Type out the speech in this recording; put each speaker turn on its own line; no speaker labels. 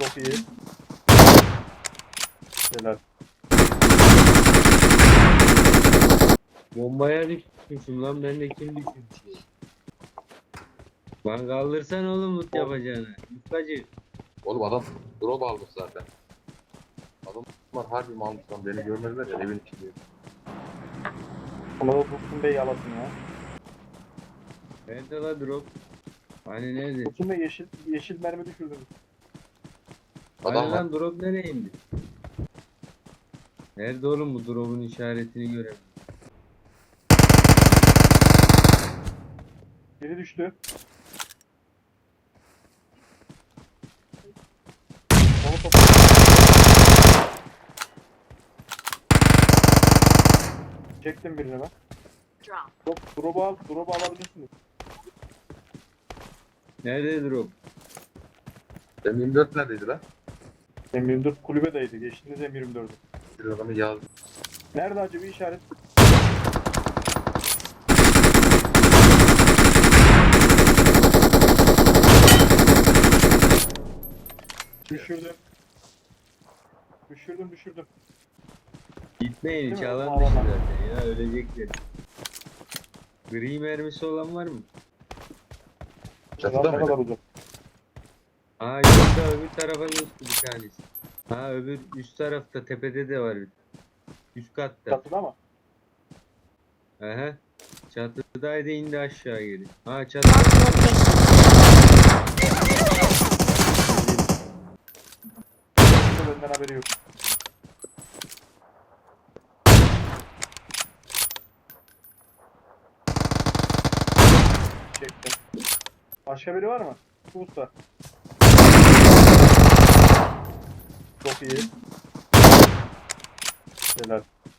Çok iyi. Helal.
Bombaya düşmüşüm lan, ben de kim düşmüş? Lan kaldırsan oğlum loot yapacağını. Yufkacı.
Oğlum adam drop almış zaten. Adamlar harbi mi almış lan, beni görmediler ya, evin içinde.
Ona da Dursun Bey yalasın ya.
Nerede la drop? Hani nerede?
Dursun Bey yeşil mermi düşürdünüz.
Hani
Adam var.
lan drop nereye indi? Nerede oğlum, bu drop'un işaretini göremiyorum.
Biri düştü. Onu topla. Çektim birini ben. Drop'u alabilirsiniz.
Nerede drop?
M24 neredeydi lan?
M24 kulübedeydi. Geçtiniz M24'ü.
Bir adamı yazdı.
Nerede acaba işaret? Düşürdüm. Düşürdüm.
Gitmeyin, hiç
Değil mi?
alan
Alan.
dışı zaten ya, ölecekler. Gri mermisi olan var mı?
Çatıda
Ne kadar
mıydı?
uzak?
Aa yoksa öbür tarafa geçti bir tanesi. Ha öbür üst tarafta, tepede de var bir. Üst katta.
Çatıda mı?
Aha. Çatıdaydı, indi aşağı geri. Ha çatıda.
Benden haberi yok. Çektim. Başka biri var mı? Şu usta. Çok iyi. Helal.